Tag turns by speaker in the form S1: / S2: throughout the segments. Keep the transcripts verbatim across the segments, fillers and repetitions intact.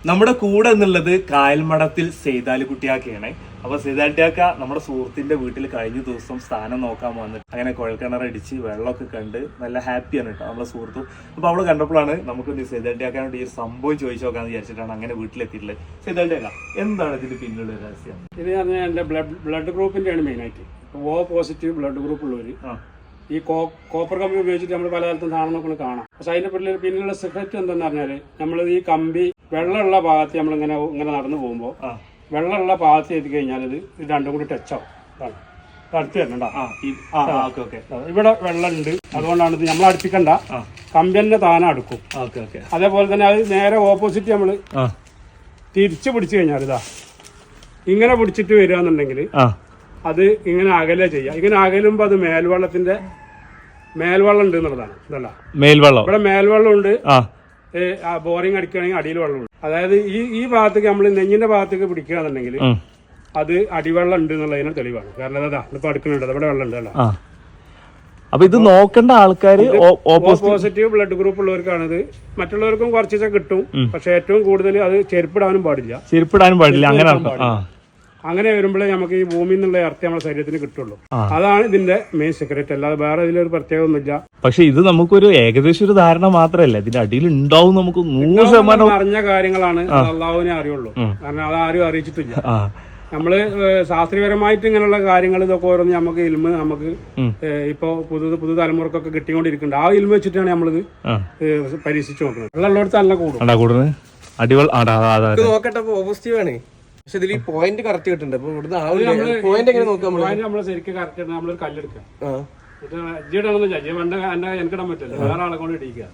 S1: നമ്മുടെ കൂടെ എന്നുള്ളത് കായൽമഠത്തിൽ സെയ്താലിക്കുട്ടിയാക്കയാണ്. അപ്പൊ സെയ്താലിക്കുട്ടിയാക്ക നമ്മുടെ സുഹൃത്തിന്റെ വീട്ടിൽ കഴിഞ്ഞ ദിവസം സ്ഥാനം നോക്കാൻ വന്നിട്ട് അങ്ങനെ കുഴൽക്കിണറടിച്ച് വെള്ളമൊക്കെ കണ്ട് നല്ല ഹാപ്പിയാണ് കേട്ടോ നമ്മുടെ സുഹൃത്തും. അപ്പൊ അവള് കണ്ടപ്പോഴാണ് നമുക്ക് സെയ്താലിക്കുട്ടിയാക്കാനോട് ഈ സംഭവം ചോദിച്ചു നോക്കാന്ന് വിചാരിച്ചിട്ടാണ് അങ്ങനെ വീട്ടിലെത്തിയിട്ടുള്ളത്. സെയ്താലിക്കുട്ടിയാക്ക, എന്താണ് ഇതിന്റെ പിന്നിലുള്ള രഹസ്യം?
S2: ഇത് പറഞ്ഞാൽ എന്റെ ബ്ലഡ് ബ്ലഡ് ഗ്രൂപ്പിന്റെയാണ് മെയിൻ ആയിട്ട്. ഓ പോസിറ്റീവ് ബ്ലഡ് ഗ്രൂപ്പ് ഉള്ളവര് ഈ കോ കോപ്പർ കമ്പി ഉപയോഗിച്ചിട്ട് നമ്മൾ പല കാലത്തും സാധനങ്ങൾ കാണാം. പക്ഷെ അതിന്റെ പിന്നിൽ പിന്നിലുള്ള സെക്രറ്റ് എന്താന്ന് പറഞ്ഞാല് നമ്മൾ ഈ കമ്പി വെള്ളമുള്ള ഭാഗത്ത് നമ്മൾ ഇങ്ങനെ ഇങ്ങനെ നടന്നു പോകുമ്പോൾ വെള്ളമുള്ള ഭാഗത്ത് എത്തി കഴിഞ്ഞാൽ ഇത് രണ്ടും കൂടി ടച്ച് ആവും. അടുത്ത് വരണണ്ട, ഇവിടെ വെള്ളം ഉണ്ട്, അതുകൊണ്ടാണ് ഇത് നമ്മൾ അടുപ്പിക്കണ്ട, കമ്പി തന്നെ താനെ അടുക്കും. അതേപോലെ തന്നെ അത് നേരെ ഓപ്പോസിറ്റ് നമ്മൾ തിരിച്ചു പിടിച്ചു കഴിഞ്ഞാൽ ഇതാ ഇങ്ങനെ പിടിച്ചിട്ട് വരിക എന്നുണ്ടെങ്കിൽ അത് ഇങ്ങനെ അകലെ ചെയ്യാം. ഇങ്ങനെ അകലുമ്പോ അത് മേൽവെള്ളത്തിന്റെ മേൽവെള്ളം ഉണ്ട് എന്നുള്ളതാണ്. ഇതല്ല
S1: മേൽവെള്ളം,
S2: ഇവിടെ മേൽവെള്ളം ഉണ്ട്. ബോറിംഗ് അടിക്കുകയാണെങ്കിൽ അടിയിൽ വെള്ളമുണ്ട്. അതായത് ഈ ഈ ഭാഗത്തേക്ക് നമ്മൾ നെഞ്ഞിന്റെ ഭാഗത്തേക്ക് പിടിക്കുകയാണെന്നുണ്ടെങ്കിൽ അത് അടിവെള്ളം ഉണ്ട് എന്നുള്ളതിന് തെളിവാണ്. കാരണം അതാ ഇപ്പൊ അടുക്കുന്നുണ്ട്, ഇവിടെ വെള്ളം ഉണ്ട്. അല്ല
S1: അപ്പൊ ഇത് നോക്കേണ്ട ആൾക്കാർ
S2: പോസിറ്റീവ് ബ്ലഡ് ഗ്രൂപ്പ് ഉള്ളവർക്കാണിത്. മറ്റുള്ളവർക്കും കുറച്ചൊക്കെ കിട്ടും, പക്ഷെ ഏറ്റവും കൂടുതൽ അത് ചെരുപ്പിടാനും പാടില്ല.
S1: ചെരുപ്പിടാനും പാടില്ല അങ്ങനെ
S2: അങ്ങനെ വരുമ്പോഴേ നമുക്ക് ഈ ഭൂമിയിൽ നിന്നുള്ള ഇറത്തി നമ്മുടെ ശരീരത്തിന് കിട്ടുള്ളൂ. അതാണ് ഇതിന്റെ മെയിൻ സെക്രറ്റ്. അല്ലാതെ വേറെ ഇതിലൊരു പ്രത്യേകത ഒന്നുമില്ല.
S1: പക്ഷെ ഇത് നമുക്കൊരു ഏകദേശം ഒരു ധാരണ മാത്രമല്ല, ഇതിന്റെ അടിയിൽ ഉണ്ടാവും നമുക്ക് നൂറ് ശതമാനം
S2: അറിഞ്ഞ കാര്യങ്ങളാണ്. അള്ളാഹുവിനെ അറിയുള്ളൂ, കാരണം അതാരും അറിയിച്ചിട്ടില്ല. നമ്മള് ശാസ്ത്രീയപരമായിട്ട് ഇങ്ങനെയുള്ള കാര്യങ്ങൾ ഇതൊക്കെ ഓരോന്ന് നമുക്ക് ഇൽമ നമുക്ക് ഇപ്പൊ പുതു പുതു തലമുറക്കൊക്കെ കിട്ടിക്കൊണ്ടിരിക്കുന്നുണ്ട്. ആ ഇൽമ വെച്ചിട്ടാണ് നമ്മളിത് പരീക്ഷിച്ചു നോക്കുന്നത്. വെള്ളമുള്ളടത്ത് നല്ല കൂടും
S1: അടിവെള്ള
S3: നോക്കട്ടെ പോസിറ്റീവ് ആണ്. പക്ഷെ ഇതിൽ പോയിന്റ് കറക്റ്റ് കിട്ടുന്നുണ്ട്. അപ്പൊ ഇവിടുന്ന് പോയിന്റ് എങ്ങനെ നോക്കാം?
S2: നമ്മള് ശരിക്കും കറക്റ്റ് നമ്മളൊരു കല്ലെടുക്കാം. ഇജിടാണെന്ന് ജി പണ്ട് എന്റെ എനിക്കിടാൻ പറ്റില്ല, വേറെ ആളെ കൊണ്ട് ഇടിക്കുക.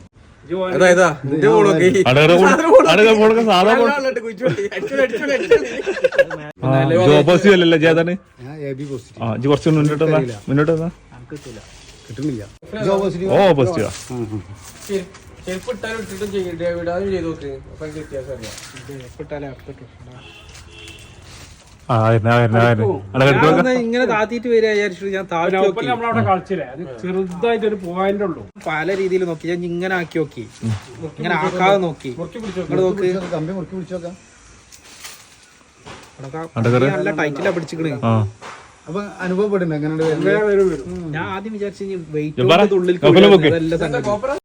S1: കുറച്ച് മുന്നോട്ട് മുന്നോട്ട്
S3: കിട്ടുന്നില്ല.
S1: ഓ പോസിറ്റീവാ.
S3: ചെരുപ്പ് ഇട്ടാലും ഇട്ടിട്ടും ചെയ്താലും ചെയ്ത് നോക്ക്, അപ്പൊ എനിക്ക് വ്യത്യാസം അറിയാം. ചെരുപ്പ് ഇട്ടാലേ ഇങ്ങനെ താത്തിട്ട് വരിക വിചാരിച്ചു. ഞാൻ
S2: നമ്മളവിടെ കളിച്ചില്ലേ, അത് ചെറുതായിട്ട് ഒരു പോയിന്റ് ഉള്ളൂ.
S3: പല രീതിയിൽ നോക്കി, ഞാൻ ഇങ്ങനെ ആക്കി നോക്കി, ഇങ്ങനെ ആക്കാതെ നോക്കി. നോക്ക് നല്ല ടൈറ്റിലാ പിടിച്ചിക്കണ്.
S4: അപ്പൊ അനുഭവപ്പെടുന്നുണ്ട്.
S3: ഞാൻ ആദ്യം വിചാരിച്ചു വെയിറ്റ് ഉള്ളിൽ